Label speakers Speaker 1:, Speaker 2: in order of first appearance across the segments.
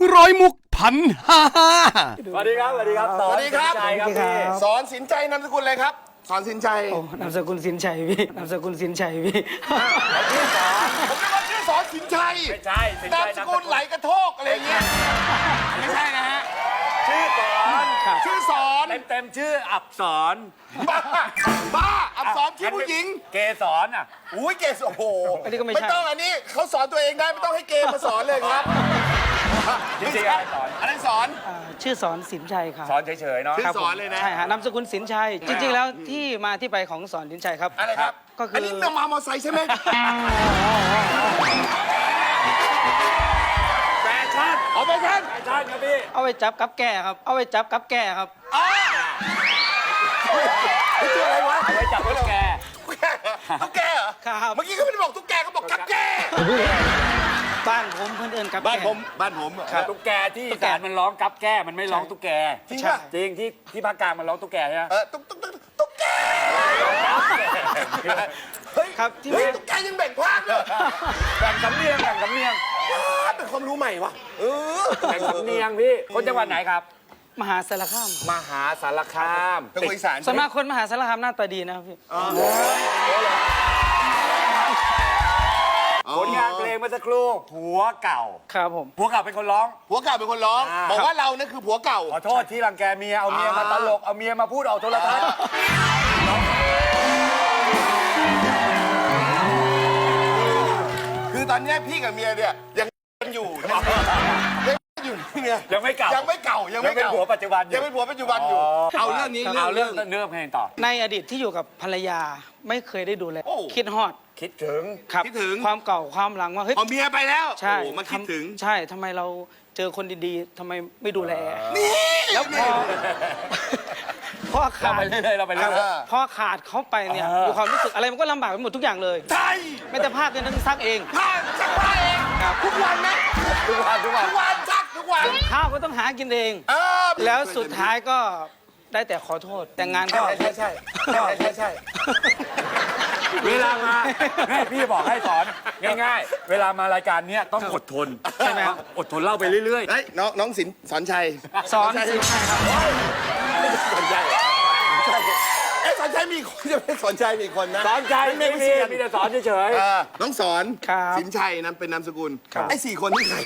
Speaker 1: ร้อยมุกพันห้า
Speaker 2: สวัสดีครับ สวัสดีครับ
Speaker 3: สวัสดีครับ
Speaker 2: สอนสินชัยครับพี่
Speaker 3: สอนสินใจนามสกุลอะไรครับ สอนสินใจ
Speaker 4: โอ้นามสกุลสินชัยพี่นามสกุลสินชัยพี่
Speaker 3: ผมนึกว่าชื่อสอนสินชัย
Speaker 2: ไม่ใช่สินชั
Speaker 3: นาย มสกุลไหลกระโทกอะไรอย่างเงี้ยไม่ใช่นะฮะ
Speaker 2: ชื่อสอน
Speaker 3: ชื่อสอน
Speaker 2: เต็มชื่ออับสอน
Speaker 3: บ้าอักษรชื่อผู้หญิง
Speaker 2: เกสรอ่ะ
Speaker 3: อุ้ยเกสโอ้โห
Speaker 4: อันนี้ก็ไม่
Speaker 3: ไม่
Speaker 4: ใช่
Speaker 3: ต้องอันนี้เขาสอนตัวเองได้ไม่ต้องให้เกมมาสอนเลยครับ
Speaker 2: จริงๆอะไรสอน
Speaker 3: อะไรสอน
Speaker 4: ชื่อสอนสินชัยครับ
Speaker 2: สอนเฉยๆเนาะ
Speaker 3: ชื่อ
Speaker 4: ครับ
Speaker 3: สอนเลยนะ
Speaker 4: ใช่ฮะนามสกุลสินชัย จริงๆแล้วที่มาที่ไปของสอนสินชัยครับ
Speaker 3: อะไรครับ
Speaker 4: ก็คืออั
Speaker 3: อันนี้นำมามอไซค์ใช่ไหม
Speaker 2: แฟชั่น
Speaker 3: เอาไปท่าน
Speaker 2: แฟชั่นครับพี่
Speaker 4: เอาไปจับกับแก่ครับ เอาไปจับกับแก่ครับ
Speaker 3: ชื่ออะไรวะ
Speaker 2: เอาไว้จับตุ๊กแก
Speaker 3: ตุ๊กแกเหรอ
Speaker 4: ครับ
Speaker 3: เมื่อกี้เขาไม่ได้บอกตุ๊กแกเขาบอกกับแก
Speaker 4: บ้านผมเพื่อนเอิญกับ
Speaker 3: บ้าน
Speaker 4: แก่
Speaker 3: ผมบ้านผมอะ
Speaker 2: ตุ๊กแกที่อีสานมันร้องกับแก้มันไม่ร้องตุ๊กแก
Speaker 3: จริงป่ะ
Speaker 2: จริงที่ภาคกลางมันร้องตุ๊กแกใช่ไหม
Speaker 3: ตุ๊กแกเฮ้ย
Speaker 4: ครับที่
Speaker 3: เฮ้ย
Speaker 4: มา
Speaker 3: ตุ๊กแกยังแบ่งภาคเลย
Speaker 2: แบ่งสำเนียงแบ่งสำเนียง
Speaker 3: เป็นความรู้ใหม่วะ
Speaker 2: แบ่งสำเนียงพี่คนจังหวัดไหนครับ
Speaker 4: มหาสารคาม
Speaker 2: มหาสารคาม
Speaker 3: เป็นคนอีสาน
Speaker 4: ส่วนมากคนมหาสารคามหน้าตาดีนะครับพี่
Speaker 2: ผลงานเพลงเมื่อสักครู่ผัวเก่า
Speaker 4: ครับผม
Speaker 2: ผัวเก่าเป็นคนร้อง
Speaker 3: ผัวเก่าเป็นคนร้อง บอกว่าเราเนี่ยคือผัวเก่า
Speaker 2: ขอโทษที่รังแกเมียเอาเมียมาตลกเอาเมียมาพูดออกโทรทัศน์
Speaker 3: คือตอนเนี้ยพี่กับเมียเนี่ยยังอยู่ยังอยู่เนี่ย
Speaker 2: ยังไม่เก่า
Speaker 3: ยังไม่เก่ายัง
Speaker 2: ยั
Speaker 3: ไม่
Speaker 2: งเป็น
Speaker 3: เก่า
Speaker 2: ผัวปัจจุบันอ
Speaker 3: ยั
Speaker 2: ยู่
Speaker 3: งเป็นผัวปัจจุบันอยู่ เอาเรื่องนี้
Speaker 2: เอาเรื่องเพลงต่อ
Speaker 4: ในอดีตที่อยู่กับภรรยาไม่เคยได้ดูแล
Speaker 3: โอ้
Speaker 4: คิดฮอด
Speaker 2: คิดถึง
Speaker 4: ครับ
Speaker 3: คิดถึง
Speaker 4: ความเก่าความหลังว่าเฮ้ย
Speaker 3: พอเมียไปแล้ว
Speaker 4: ใช่
Speaker 3: โอ้มาคิดถึง
Speaker 4: ใช่ทำไมเราเจอคนดีๆทำไมไม่ดูแล
Speaker 3: นี่
Speaker 4: แล้วพอ
Speaker 2: เรา
Speaker 4: ขาด
Speaker 2: ไปเรื่อยๆเราไปเรื่อย
Speaker 4: พอขาดเขาไปเนี่ยมีความรู้สึกอะไรมันก็ลำบากไปหมดทุกอย่างเลย
Speaker 3: ใช่
Speaker 4: ไม่แต่ผ้าก็ต้องซักเอง
Speaker 3: ผ้าซักผ้าเองทุกวันนะ
Speaker 2: ทุกวัน
Speaker 3: ทุกวันซักทุกวัน
Speaker 4: ข้าวก็ต้องหากินเอง
Speaker 3: เออ
Speaker 4: แล้วสุดท้ายก็ได้แต่ขอโทษ แต่งานก็
Speaker 3: ใช่ใช่
Speaker 2: เวลามาแม่พี่บอกให้สอนง่ายๆ เวลามารายการเนี้ยต้องอดทนใช่ไหมครับอดทนเล่าไปเรื่อย
Speaker 3: เฮ้ยน้องสินสอนชัย
Speaker 4: สอนสินชัยครับ
Speaker 3: สอนชัยเอ๊ะสอนชัยมีคนจะไม่สอนชัยมีคนนะ
Speaker 2: ๆสอนใจไม่มีมีแต่สอนเฉย
Speaker 3: น้องสอน
Speaker 4: ครับ
Speaker 3: สินชัยนั้นเป็นนามสกุล
Speaker 4: ครับ
Speaker 3: ไอ้4 คนนี่ใคร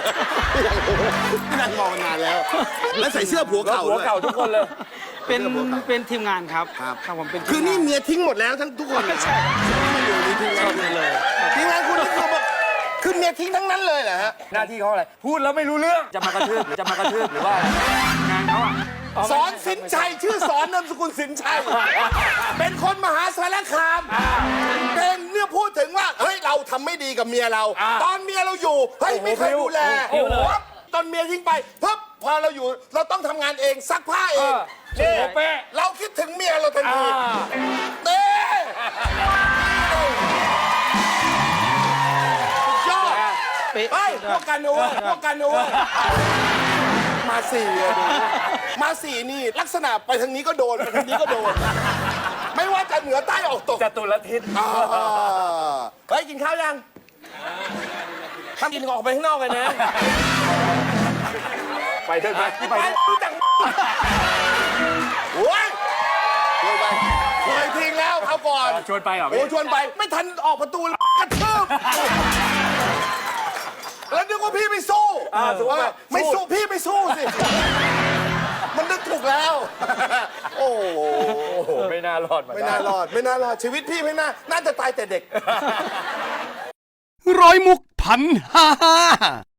Speaker 3: นั่งมองมานานแล้ว แล้วใส่เสื้อผัว
Speaker 2: ๆแล้ว
Speaker 3: เก่า
Speaker 2: หัว
Speaker 3: ด้วย
Speaker 2: เก่าทุกคนเลย
Speaker 4: เป็นทีมงานครับ
Speaker 3: ครับ
Speaker 4: ครับผมเป็นทีม
Speaker 3: คือนี่
Speaker 4: งาน
Speaker 3: เมียทิ้งหมดแล้วทั้งทุกคนเลยมาอยู่ในทีมงานคุณเลยทีมงานคุณนี่คือแบบคือเมียทิ้งทั้งนั้นเลยเหรอฮะ
Speaker 2: หน้าที่เขาอะไร พูดแล้วไม่รู้เรื่องจะมากระทืบหรือว่าอะไรงานเขาอะ
Speaker 3: สอนสินชัยชื่อสอนนามสกุลสินชัย เป็นคนมหาสารคามเป็นเนี่ยพูดถึงว่าเฮ้ยเราทำไม่ดีกับเมียเรา ตอนเมียเราอยู่เฮ้ยไม่เคยดูแลปั๊บตอนเมียทิ้งไปปั๊บพอเราอยู่เราต้องทำงานเองซักผ้าเองนี่
Speaker 2: โอ้เป๊ะ
Speaker 3: เราคิดถึงเมียเราทันทีเต้สุดยอด
Speaker 4: เป๊ะ
Speaker 3: เฮ้ยพวกกันนะเว้ยพวกกันนะเว้ยมาสี่อะดูมาสี่นี่ลักษณะไปทางนี้ก็โดนไปทางนี้ก็โดน ไม่ว่าจะเหนือใต้ออกตก
Speaker 2: จตุรทิศ
Speaker 3: เฮ้ยกินข้าวยังถ้ากินก็ออกไปข้างนอกกันนะ
Speaker 2: ไปเถอะไปที่ไป
Speaker 3: ไป
Speaker 2: เถอะ
Speaker 3: รู้จักโอ้ยเคยไปเคยทิ้งแล้วเขาก่อน
Speaker 2: ชวนไปเหรอ
Speaker 3: โอ้ชวนไปไม่ทันออกประตูแล้วกระทืบแล้วนึกว่าพี่ไม่สู้
Speaker 2: สู้ไหม
Speaker 3: ไม่สู้พี่ไม่สู้สิ มันนึกถูกแล้ว โอ้โห
Speaker 2: โอ้โหไม่น่ารอดมา
Speaker 3: ไม่น่ารอดไม่น่ารอดชีวิตพี่ไม่น่าจะตายแต่เด็ก
Speaker 1: ร้อยมุกพันห้า